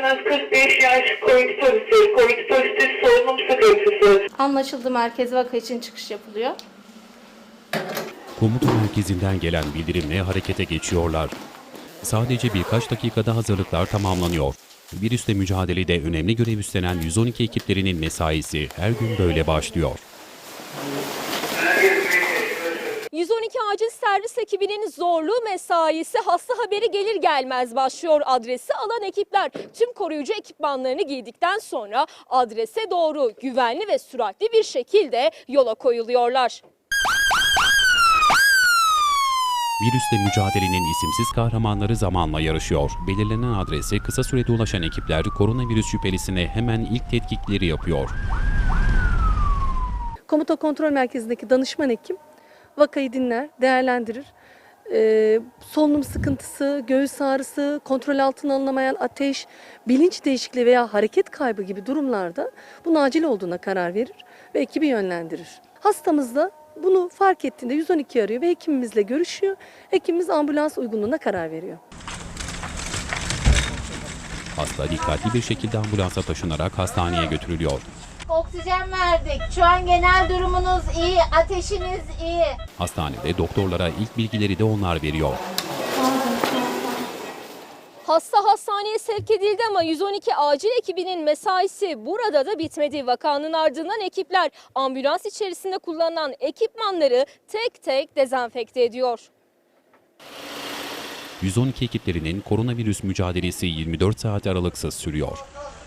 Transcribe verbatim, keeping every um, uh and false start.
istemez kırk beş yaş COVID pozitif, COVID pozitif solunum sıkıntısı. Anlaşıldı, merkez vaka için çıkış yapılıyor. Komuta merkezinden gelen bildirimle harekete geçiyorlar. Sadece birkaç dakikada hazırlıklar tamamlanıyor. Virüsle mücadelede önemli görev üstlenen yüz on iki ekiplerinin mesaisi her gün böyle başlıyor. yüz on iki acil servis ekibinin zorlu mesaisi hasta haberi gelir gelmez başlıyor. Adresi alan ekipler tüm koruyucu ekipmanlarını giydikten sonra adrese doğru güvenli ve süratli bir şekilde yola koyuluyorlar. Virüsle mücadelenin isimsiz kahramanları zamanla yarışıyor. Belirlenen adrese kısa sürede ulaşan ekipler koronavirüs şüphelisine hemen ilk tetkikleri yapıyor. Komuta kontrol merkezindeki danışman hekim vakayı dinler, değerlendirir. Ee, solunum sıkıntısı, göğüs ağrısı, kontrol altına alınamayan ateş, bilinç değişikliği veya hareket kaybı gibi durumlarda bunun acil olduğuna karar verir ve ekibi yönlendirir. Hastamız da bunu fark ettiğinde yüz on iki arıyor ve hekimimizle görüşüyor. Hekimimiz ambulans uygunluğuna karar veriyor. Hasta dikkatli bir şekilde ambulansa taşınarak hastaneye götürülüyor. Oksijen verdik. Şu an genel durumunuz iyi, ateşiniz iyi. Hastanede doktorlara ilk bilgileri de onlar veriyor. Hasta hastaneye sevk edildi ama yüz on iki acil ekibinin mesaisi burada da bitmedi. Vakanın ardından ekipler ambulans içerisinde kullanılan ekipmanları tek tek dezenfekte ediyor. yüz on iki ekiplerinin koronavirüs mücadelesi yirmi dört saat aralıksız sürüyor.